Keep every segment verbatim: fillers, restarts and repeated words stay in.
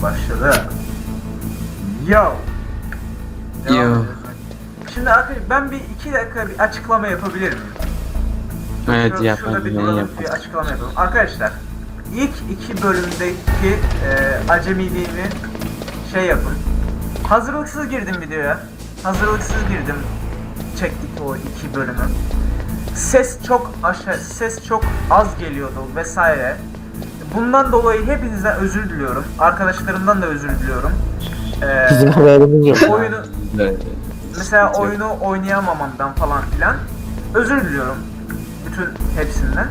başladı. Yo. Devam Yo. ediyoruz. Şimdi arkadaşlar ben bir iki dakika bir açıklama yapabilir miyim? Evet Şurada, yap şurada bir hadi, duralım, yap. bir açıklama yapalım. Arkadaşlar ilk iki bölümdeki e, acemiliğimi şey yapın. Hazırlıksız girdim videoya. Hazırlıksız girdim. Çektik o iki bölümü. Ses çok aşağı, ses çok az geliyordu vesaire. Bundan dolayı hepinizden özür diliyorum. Arkadaşlarımdan da özür diliyorum. Ee, Bizim haberimiz yok. oyunu Evet. mesela oyunu oynayamamamdan falan filan özür diliyorum bütün hepsinden.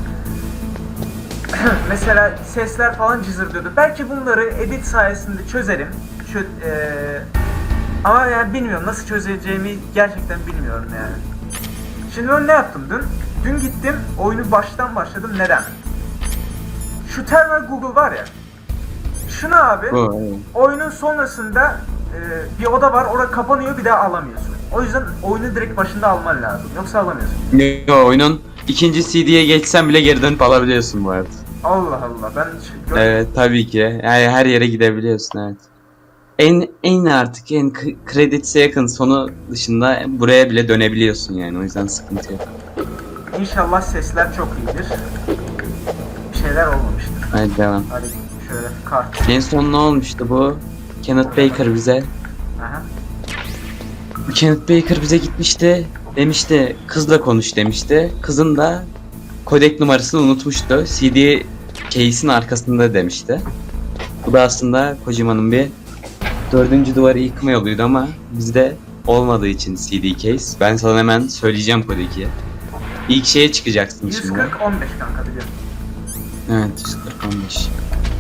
Mesela sesler falan cızırdıyordu. Belki bunları edit sayesinde çözerim. Çö ee, ama yani bilmiyorum nasıl çözeceğimi gerçekten bilmiyorum yani. Şimdi ben ne yaptım dün? Dün gittim oyunu baştan başladım. Neden? Şu Terminal Google var ya. Şunu abi Bu, evet. oyunun sonrasında e, bir oda var. Orada kapanıyor, bir daha alamıyorsun. O yüzden oyunu direkt başında alman lazım. Yoksa alamıyorsun. Yo, oyunun ikinci C D'ye geçsen bile geri dönüp alabiliyorsun bu arada. Allah Allah ben hiç görmedim. Evet tabii ki. Yani her yere gidebiliyorsun, evet. En en artık en k- credits'e yakın sonu dışında buraya bile dönebiliyorsun yani, o yüzden sıkıntı yok. İnşallah sesler çok iyidir. Bir şeyler olmamıştır. Hadi devam. Hadi şöyle kart. En son ne olmuştu bu? Kenneth Baker bize. Aha. Kenneth Baker bize gitmişti. Demişti kızla konuş demişti. Kızın da kodek numarasını unutmuştu. C D case'in arkasında demişti. Bu da aslında Kojima'nın bir dördüncü duvarı yıkma yoluydu ama bizde olmadığı için C D case. Ben sana hemen söyleyeceğim kodeki. İlk şeye çıkacaksın yüz şimdi. kırk on beş kanka biliyorum. Evet yüz kırk on beş.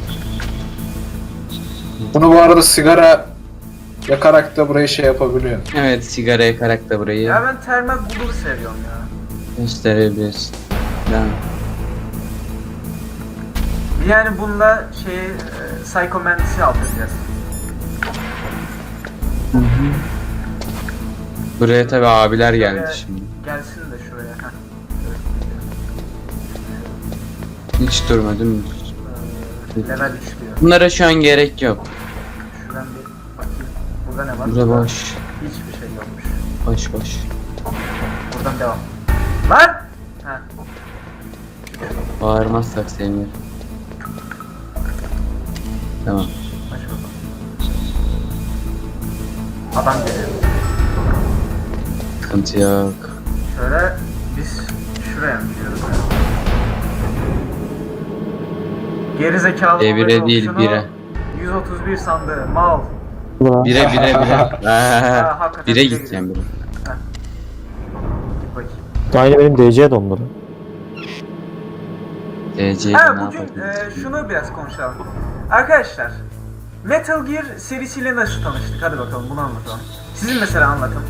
Bunu bu arada sigara yakarak da burayı şey yapabiliyor. Evet sigara yakarak da burayı Ya ben Terminal Google'u seviyorum ya. gösterebilirsin. Devam. Yani bununla şeyi e, Psycho Mantis'i aldıracağız. Hı hı. Buraya tabi abiler geldi Şuraya şimdi. Gelsin de şuraya. Heh. Hiç durmadım. Ee, level üç diyor. Bunlara şu an gerek yok. Şuradan bir bakayım. Burada ne var? Burada boş. Hiçbir şey yokmuş. Boş boş. Buradan devam. Lan! Ha. Bağırmazsak sevinirim. Tamam. Aç bakalım. Adam geliyor. Sıkıntı yok. Şöyle biz şuraya mı gidiyoruz? Geri zekalı E, bire değil, şunu bire. yüz otuz bir sandığı mal. Bire bire bire. Ha, hakikaten Bire bire gideceğim bire. Heh. Git bakayım. Aynı benim D C dondu. D C'yi Ha ne bugün yapacağız? e, şunu biraz konuşalım. Arkadaşlar Metal Gear serisiyle nasıl tanıştık? Hadi bakalım bunu anlatalım. Sizin mesela anlatın.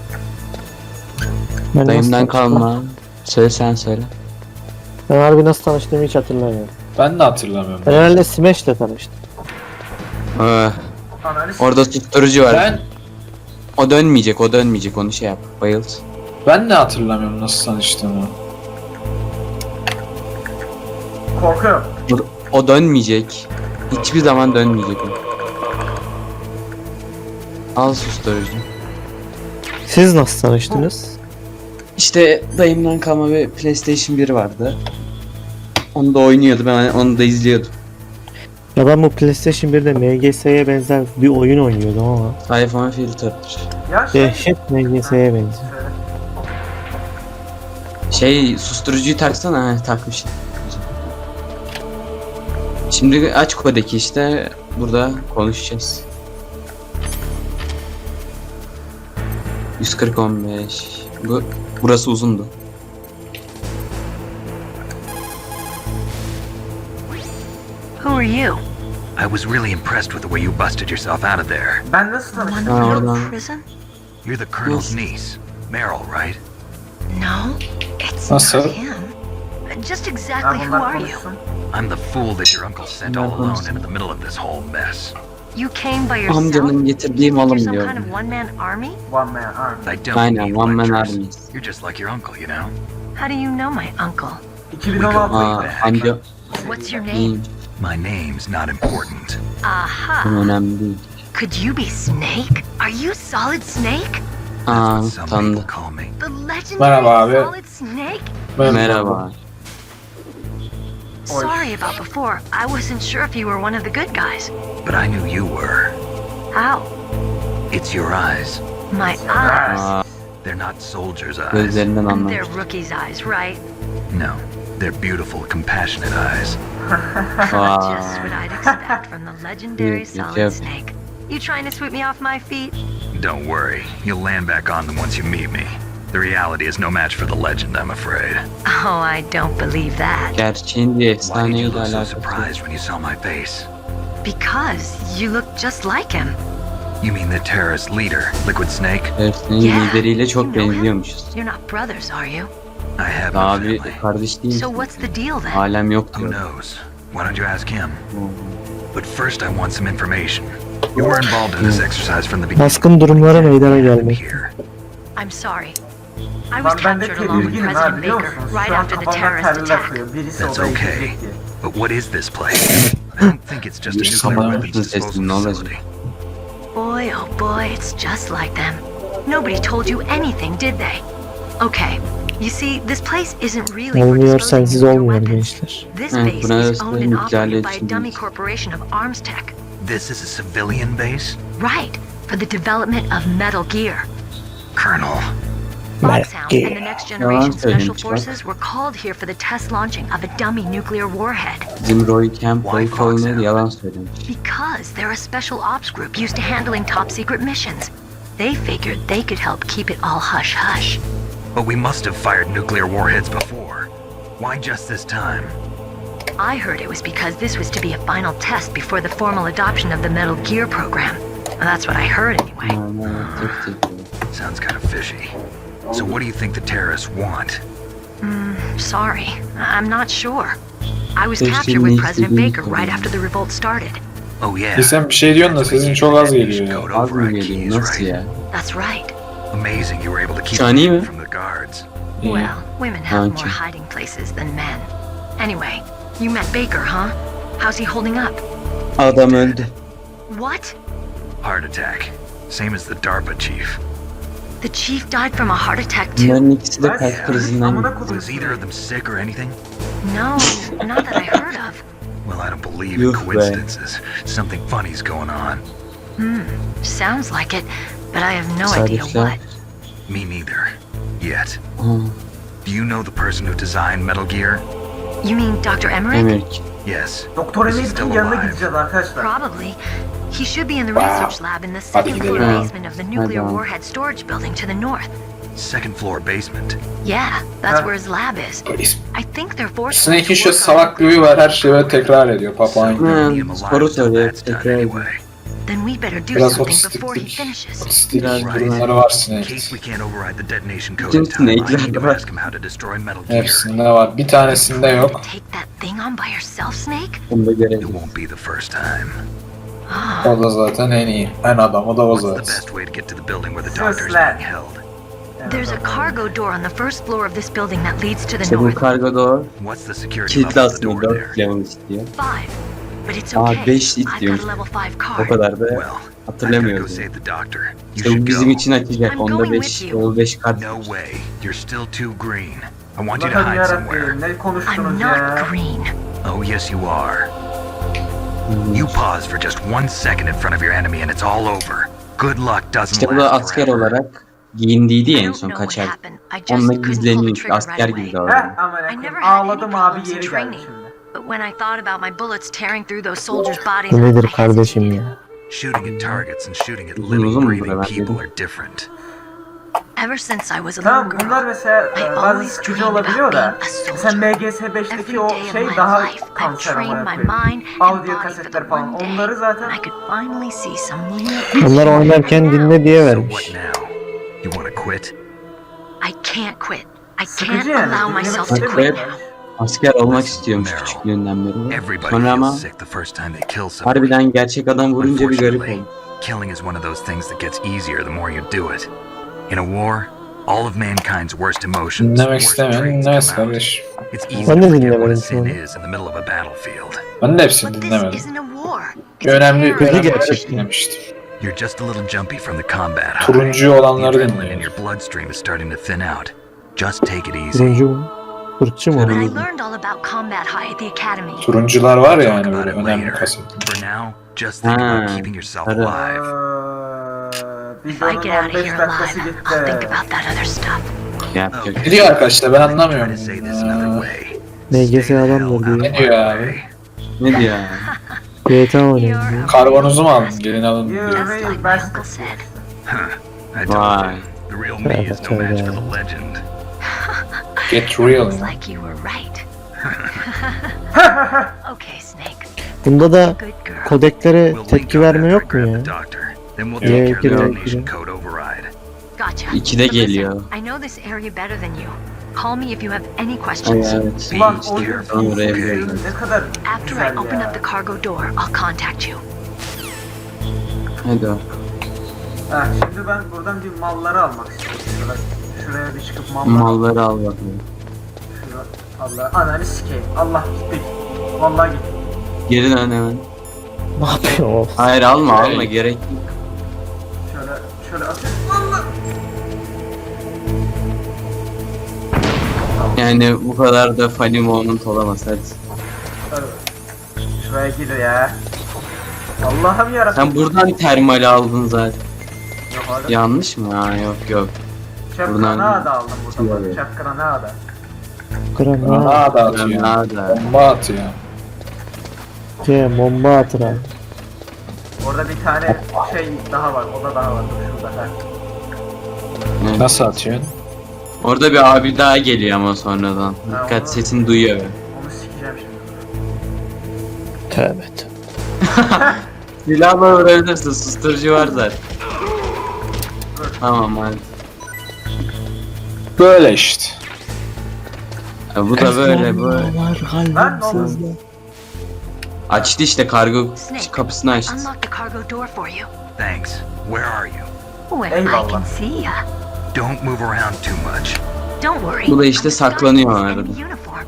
Ben Dayımdan nasıl tanıştım? kalma. Söyle sen söyle. Ben harbi nasıl tanıştığımı hiç hatırlamıyorum. Ben de hatırlamıyorum. Ben herhalde Smash'le tanıştım. Ah, Analiz. orada susturucu var. Ben O dönmeyecek, o dönmeyecek. Onu şey yap. Bayıl. ben de hatırlamıyorum nasıl tanıştığımı. Korkuyorum. O, o dönmeyecek. Hiçbir zaman dönmeyecek o. Al susturucu. Siz nasıl tanıştınız? İşte dayımdan kalma bir PlayStation bir vardı. Onu da oynuyordu, ben onu da izliyordum. Ya ben bu PlayStation birde M G S'ye benzer bir oyun oynuyordum ama iPhone filtre'dir. Ya şey. dehşet M G S'ye benziyor. Söyle. Şey, susturucuyu taksana. Ha, takmışım. Şimdi aç kodeki işte. Burada konuşacağız. yüz kırk on beş. Bu, burası uzundu. Who are you? I was really impressed with the way you busted yourself out of there. Ben nasıl One tanıştım? Ha, from oradan. prison? You're the colonel's Yes. niece, Meryl, right? No, it's Nasıl? not him. Just Ben exactly who bunlar are you? konuşsun. I'm the fool that your uncle sent all alone into the middle of this whole mess. You came by yourself? Amcanın getirdiği You malım think you're diyor. some kind of one-man army? One man army. I don't Aynen, need one man lectures. army. You're just like your uncle, you know? How do you know my uncle? iki bin on altı. Aa, amca What's your name? iyiyim. My name's not important. Aha. Bu önemli değil. Could you be Snake? Are you Solid Snake? Aa, That's what some tanıdı. people call me. The legendary Merhaba abi. Solid Snake? Merhaba. Sorry about before. I wasn't sure if you were one of the good guys. But I knew you were. How? It's your eyes. My eyes. Aa, They're not soldiers' eyes. gözlerinden They're anlamış. rookie's eyes, right? No, they're beautiful, compassionate eyes. Aa, Just what I'd expect from the legendary Yep, yep, Solid yep. Snake. You trying to sweep me off my feet? Don't worry, you'll land back on them once you meet me. The reality is no match for the legend, I'm afraid. Oh, I don't believe that. gerçeğin bir Why did efsaneyle you look so alakası yok. surprised when you saw my face? Because you look just like him. You mean the terrorist leader, Liquid Snake? Heriflerin Yeah, lideriyle çok you know him. benziyormuşuz. You're not brothers, are you? I have no Abi family. kardeş değil. So what's the deal then? Alem yok Who diyor. knows? Why don't you ask him? But first I want some information. You were involved in this exercise from the beginning. Baskın durumlara meydana What happened gelmek. here? I'm sorry. I was Lan ben de captured along with tedirginim ha President biliyor Baker musunuz? right Şu an after the kafamda terrorist teller attack. akıyor. Birisi That's odaya okay. girecek diye. But what is this place? I don't think it's just a Bir nuclear sabah weapons yaptın sesini, disposal ne olacak? facility. Boy, oh boy, it's just like them. Nobody told you anything, did they? Okay, you see, this place isn't really for Olmuyor disposing sensiz nuclear olmuyor weapons. gençler. This Evet, base is burası owned and nükleerle operated by a için dummy değil. corporation of Arms Tech. This is a civilian base? Right, for the development of Metal Gear. Colonel, Foxhound and the next generation special söylemiş bak. forces were called here for the test launching of a dummy nuclear warhead. Bizim Roy Camp, Why Roy Colonel Foxhound? yalan söylemiş. Because they're a special ops group used to handling top secret missions. They figured they could help keep it all hush hush. but we must have fired nuclear warheads before. Why just this time? I heard it was because this was to be a final test before the formal adoption of the Metal Gear program. Well, that's what I heard anyway. Aa, tek tek. Sounds kind of fishy. So what do you think the terrorists want? Sorry, I'm not sure. I was There's captured too with many President civilians Baker going right on. after the revolt started. Oh yeah. Bir sen bir şey diyorsun da sesin çok az geliyor ya. Code Az mı override geliyor? keys, Nasıl right? ya? That's right. Amazing you were able to keep Şu an iyi them mi? from the guards. İyi. Well, women have Aren't more you? hiding places than men. Anyway, you met Baker, huh? How's he holding up? Adam öldü. What? Heart attack. Same as the DARPA chief. The chief died from a heart attack too? Bunların ikisi de Ben kalp krizinden amına gitti. kodum. Was either of them sick or anything? No, not that I heard of. Well, I don't believe in Yuh be. coincidences. Something funny's going on. Sounds like it, but I have no idea Tesadüfler. what. Me neither. Yet. Aa, Do you know the person who designed Metal Gear? You mean Doctor Emmerich? Emmerich. Yes. Doktor Is he Emir'in still yanına alive? gideceğiz arkadaşlar. Probably. He should be in the Wow. research lab in the second Hadi floor gidelim. basement of the nuclear Hadi. warhead storage building to the north. Second floor basement. Yeah, that's Huh? where his lab is. I think they're forced Snake'in to şu work on salak bir huyu var, her şeyi böyle tekrar ediyor papağan gibi. Hmm. Uranium alive Soru until soruyor, that's done tekrar ediyor. anyway. Then we better do Biraz something before he otistiklik, finishes. otistik Biraz durumları var In Snake'in. case we can't override the detonation code Bütün in time, I snake'ler need to var. ask him how to destroy Metal Gear. Hepsinde var. Bir tanesinde yok. Take that thing on by yourself, Snake? Onu da It görelim. won't be the first time. O da zaten en iyi. En adamı da o What's the zaten. best way to get to the building where the doctor's Sözler. being held? There's a cargo door on the first floor of this building that leads to the İşte bu north. kargo doğru. What's the security Kilitli level of the aslında door dört there? level istiyor. Five. But it's Aa, okay. beş I've got istiyormuş. a level five O card. kadar da Well, I've got to go hatırlamıyorum. save the doctor. You İşte should bu bizim go. için açacak. I'm Onda going beş, with you. level beş kart. No way. You're still too green. I want you to Allah'ım hide somewhere. yarabbim ne I'm konuştunuz not ya. green. Oh, yes, you are. You pause for just one second in front of your enemy and it's all over. Good luck doesn't İşte bu da last asker forever. olarak giyindiydi I ya en don't son know what kaçar. happened. I just Onunla couldn't pull the gizleniyormuş. trigger Asker right gibi away. davranıyor. Heh aman I akım. never had any Ağladım abi problems in yeri geldi training. şimdi. But when I thought about my bullets tearing through those soldiers' bodies, Bu nedir I kardeşim hesitated. ya? Shooting at targets and shooting at Uzun living, uzun mu breathing buralar people dedim. are different. Ever since I was a little Tamam girl, bunlar mesela I e, bazı always sıkıcı dreamed olabiliyor da about being a mesela soldier. M G S beşteki Every o day of şey my daha life, I've kanser trained amına my koyayım. mind and Audio body for the kasetler falan one day onları zaten I could finally see some real Onlar oynarken dinle diye So vermiş. what now? You want to quit? I can't quit. I can't sıkıcı yani. allow dinlemek myself to Hadi quit koy. now. Asker olmak istiyormuş küçüklüğünden beri. Everybody Sonra ama feels sick the first time they kill someone. harbiden gerçek adam vurunca bir garip Unfortunately, oldu. killing is one of those things that gets easier the more you do it. In a war, All of mankind's worst emotions, Dinlemek worst istemeyen traits dinlemez come out. kardeş. It's easy Ben to de forget what a dinlemedim sin sonra. is in the middle of a battlefield. Ben de hepsini But this dinlemedim. isn't a war. It's a Önemli, terror önemli gerçekten. gerçek dinlemiştim. You're just a little jumpy from the combat high. Turuncu The olanları adrenaline in dinliyorum. your bloodstream is starting to thin out. Just take it easy. Turuncu mu? Fırçı mı? But I o? learned all about combat high at the academy. Turuncular var ya Talk yani about böyle it önemli later. kasıt. For now, just think about Ha, keeping yourself sarı. alive. Eee, If I videonun get out on of beş here dakikası alive, gitti. I'll think about that other stuff. Yapacak. Ne diyor arkadaşlar ben Let me try anlamıyorum. to say this another Aa, way. M G Stay S the hell adamdır out diyor. of Ne my diyor abi? way. Ne diyor? G T A oynuyor. You're diyor. a Karbonuzu mu real aldın? bastard. Gelin alın You diyor. Just real like my bastard. uncle said. Huh. I told Why? you, the real me is no match for the legend. Get real. Looks like you were right. Okay, Snake. Bunda da Good girl. kodeklere We'll link tepki up verme after I yok mu grab ya? the doctor. Then we'll Yeah, take care of the giriyor, detonation giriyor. code override. Gotcha. İkide But listen, geliyor. I know this area better than you. Call me if you have any Ay questions. evet. Ulan Be oyun careful, oraya fiziksel biliyorum. ne kadar After I güzel open ya. up the cargo door, I'll contact you. Hadi o. Ha, şimdi ben buradan bir malları almak istiyorum. Şuraya, şuraya bir çıkıp malları Malları al bakalım. Şuraya, Allah ananı sikeyim. Allah gittik. Vallahi gittik. Geri dön hemen. Ne yapıyor o? Hayır alma Hayır. alma gerek yok. Şöyle şöyle atıyorum. Allah. Yani bu kadar da funny moment olamaz hadi. Şöyle. Şuraya gir ya. Allah'ım yarabbim. Sen buradan termali aldın zaten. Yok oğlum. Yanlış mı? Ha yok yok. Şef buradan- granada aldım burada. Şöyle. Şef granada. Granada. Granada atıyor. Granada. Bomba atıyor. C, bomba atır abi. Orada bir tane şey daha var. Oda daha var. Dur şurada. Ha. Evet. Nasıl atıyorsun? Orada bir abi daha geliyor ama sonradan. Ha, Dikkat onu- sesini duyuyor. Onu sikeceğim şimdi. Tövbe tövbe. Silahla vurabilirsin susturucu var zaten. Tamam hadi. Böyle işte. Ya bu da böyle böyle. Ben ne oldu? Açtı işte kargo Snake, kapısını I açtı. unlocked the cargo door for you. Thanks. Where are you? Where I Eyvallah. can see ya. Don't move around too much. Don't worry. Bu da işte I'm a saklanıyor Star Wars arada. in uniform.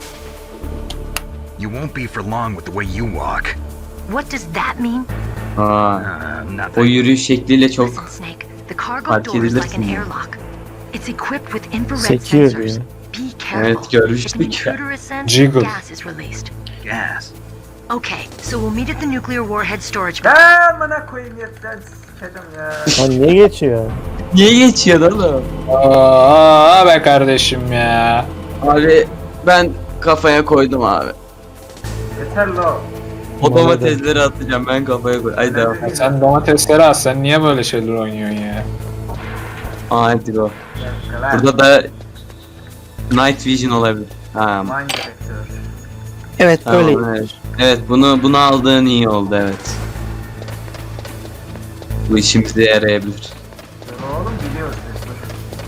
You won't be for long with the way you walk. What does that mean? Aa, Uh, o nothing. yürüyüş şekliyle çok Listen, Snake. The cargo fark door is like edilirsin an ya. airlock. It's equipped with infrared Sekiyor sensors. diyor. Be careful. Evet, If görmüştük an ya. intruder is sensed, Jiggle. gas is released. Gas. Okay, so we'll meet at the nuclear warhead storage. Ya amına koyayım yetten sikeceğim ya. Lan niye geçiyor? Niye geçiyor oğlum? Aa be kardeşim ya. Abi ben kafaya koydum abi. Yeter lo. O Bana da. domatesleri atacağım ben kafaya koy. Ay devam. Ya sen domatesleri al, sen niye böyle şeyler oynuyorsun ya? Aa hadi go. Bir dakika lan. Burada da Night Vision olabilir. Ha, Mind Detector. Evet tamam, böyle. evet. Evet bunu bunu aldığın iyi oldu evet. Bu işimize yarayabilir. Dur oğlum biliyoruz biz dur.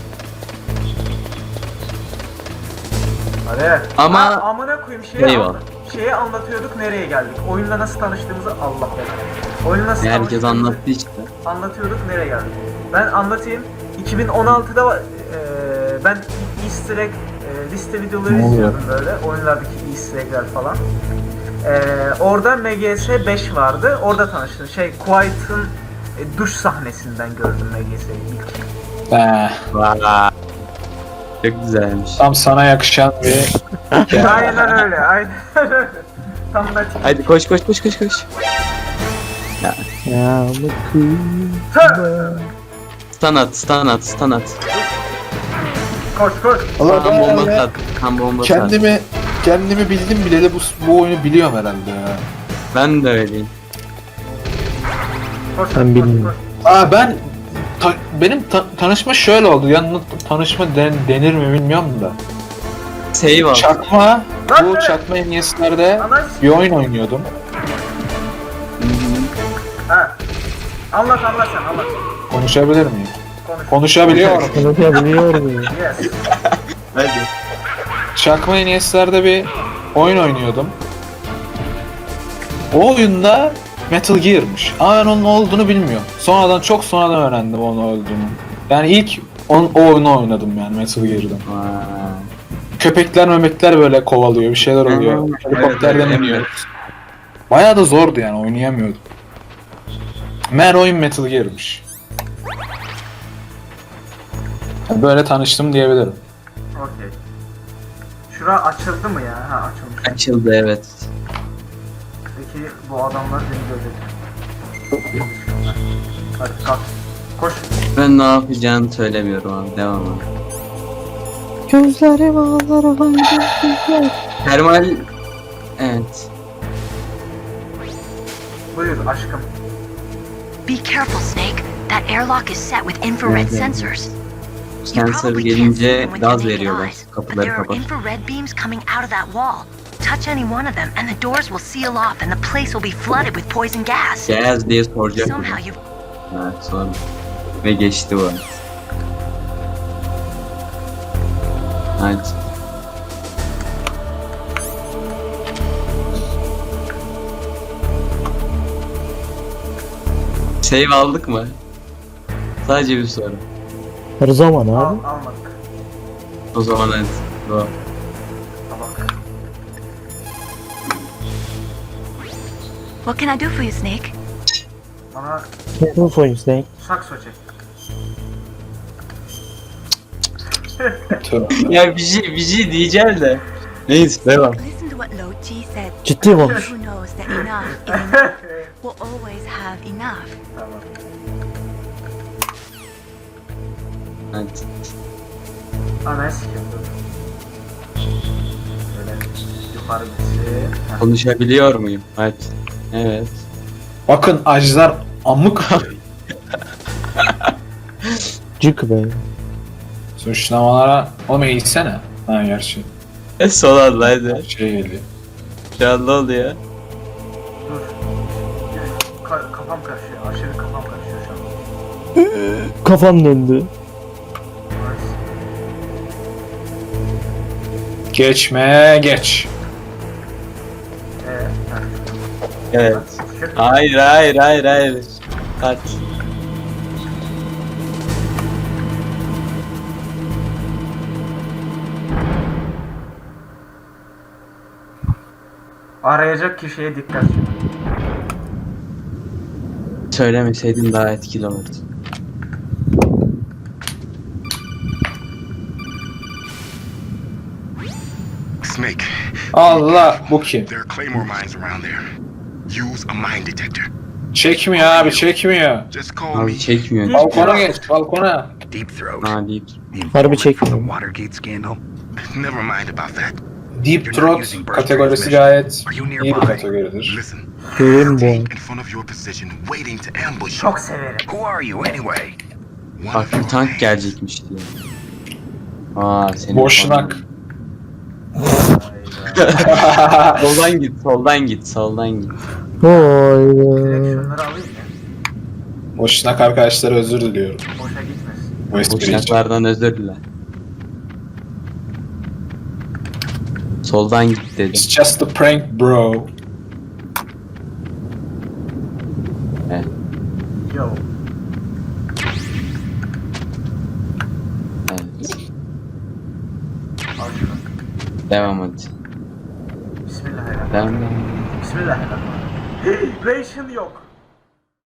Hadi. Ama- Ha, amına koyayım şeyi, Eyvallah. anla- şeyi anlatıyorduk nereye geldik. Oyunla nasıl tanıştığımızı Allah belanı. Oyunla nasıl Herkes tanıştığımızı anlattı işte. anlatıyorduk nereye geldik. Ben anlatayım. iki bin on altıda e, ben Easter egg e, liste videoları Ne oluyor? izliyordum böyle. Oyunlardaki Easter egg'ler falan. E, orada M G S beş vardı. Orada tanıştım. Şey Quiet'ın e, duş sahnesinden gördüm M G S'yi ilk. He, Vay. Çok güzelmiş. tam sana yakışan bir... Aynen öyle. Aynen öyle. Tam da Hadi koş koş koş koş koş. Ya bakın. Stun at, stun at, stun at. Koş koş. Allah Kan ben bombası ya, at, kan bombası at. kendimi, kendimi bildim bileli bu, bu oyunu biliyorum herhalde ya. Ben de öyleyim. Koş Ben koş, bilmiyorum. koş. Aa ben... ta- benim ta- tanışma şöyle oldu. Yani tanışma den- denir mi bilmiyorum da. Save al. Çakma, Lan bu be! çakma N E S'lerde Ananı bir oyun oynuyordum. Ha. Anlat anlat sen anlat. Konuşabilir miyim? Konuş. Konuşabiliyorum. Konuşabiliyorum ya. Yes. Hadi. Çakma N E S'lerde bir oyun oynuyordum. O oyunda Metal Gear'mış. Ama ben onun ne olduğunu bilmiyorum. Sonradan çok sonradan öğrendim onun olduğunu. Yani ilk On, o oyunu oynadım yani Metal Gear'da. Aa, Köpekler memekler böyle kovalıyor, bir şeyler oluyor. Evet, Helikopterden evet, iniyoruz. Bayağı da zordu yani, oynayamıyordum. Meğer oyun Metal Gear'mış. Böyle tanıştım diyebilirim. Okey. Şura açıldı mı ya? Ha açılmış. açıldı evet. Peki bu adamlar beni görecek. Hadi kalk. Koş. Ben ne yapacağını söylemiyorum abi. Devam abi. Gözlerim ağlar haydi. Termal... Evet. Buyur aşkım. Be careful, Snake. That airlock is set with infrared Evet, evet. sensors. You Sensör probably can't see gelince them with your gaz naked veriyorlar. eyes, but Kapıları there are kapat. infrared beams coming out of that wall. Touch any one of them, and the doors will seal off, and the place will be flooded with poison gas. Gaz diye soracak. Somehow you Evet sonra. Ve geçti bu. Hadi. Save aldık mı? Sadece bir soru. Her zaman Al, abi. almadık. O zaman hadi. Go. Tabak. What can I do for you, Snake? Bana Ne oyun Snake? sakso çek. Tövbe. Ya bir şey, bir şey diyeceğim de. Neyse devam. Listen to what Lo Ji said. Ciddi konuş. Who knows that enough is enough will always have enough. Tamam. Hadi. Ana sikim dur. Şöyle yukarı gitsin. Heh. Konuşabiliyor muyum? Hadi. Evet. Bakın acılar amık. Cık be. Suçlamalara... Oğlum eğitsene. Ha gerçi. E son anda hadi. Şey geliyor. Şu an ne oluyor? Dur. Ka- kafam karışıyor. Aşırı kafam karışıyor şu an. Kafam döndü. Nice. Geçme geç. Ee, heh. Evet. Çık. Hayır hayır hayır hayır. Hadi. Arayacak kişiye dikkat. Söylemeseydin daha etkili olurdu. Snake, Allah bu kim? there are claymore mines around there. Use a mine detector. Çekmiyor abi çekmiyor. Just call me Abi çekmiyor. Balkona geç balkona. Deep Throat. Ha deyip. The Harbi informant from çekmiyor. the Watergate scandal. Never mind about that. Deep Throat kategorisi gayet iyi bir kategoridir. Listen. Görün bu. Tank in front of your position, waiting to ambush you. Çok severim. Who are you anyway? One Bak of bir your tank ranks. gelecekmiş diyor. Aa senin Boşnak. Hayda. Soldan git, soldan git, soldan git. Hayda. Direkt şunları alayım ya. Boşnak arkadaşlar özür diliyorum. Boşa gitmesin. Bu espri için. Boşnaklardan özür dile. Soldan git dedim. It's just a prank bro. Evet. Yo. Evet. Al şunu. Devam hadi. Bismillahirrahmanirrahim. Devam devam. Bismillahirrahmanirrahim. Ration yok.